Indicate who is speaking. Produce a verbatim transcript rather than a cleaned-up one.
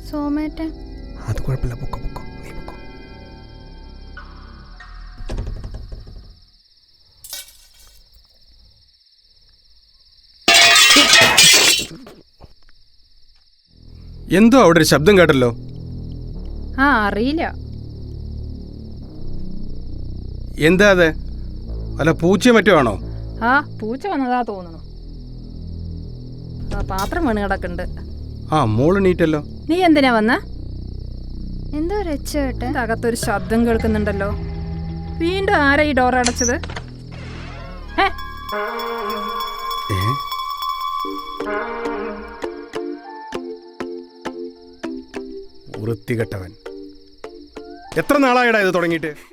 Speaker 1: സോമേട്ടൻ.
Speaker 2: അത് കുഴപ്പമില്ല, പൊക്കോ പൊക്കോ, നീ പൊക്കോ. എന്തോ അവിടെ ഒരു ശബ്ദം കേട്ടല്ലോ.
Speaker 1: ആ അറിയില്ല.
Speaker 2: എന്താ അത്? അല്ല പൂച്ച മറ്റോ ആണോ?
Speaker 1: ആ പൂച്ച വന്നതാ തോന്നുന്നു. ആ പാത്രം വീണ് കിടക്കുന്നുണ്ട്.
Speaker 2: ആ മോള് നീറ്റല്ലോ.
Speaker 1: നീ എന്തിനാ വന്ന?
Speaker 3: എന്തോ രക്ഷേട്ടൻ.
Speaker 1: അകത്തൊരു ശബ്ദം കേൾക്കുന്നുണ്ടല്ലോ. വീണ്ടും ആരാ ഈ ഡോർ അടച്ചത്? ഏ
Speaker 2: ഏ? വൃത്തികെട്ടവൻ. എത്ര നാളായടാ ഇത് തുടങ്ങിയിട്ട്?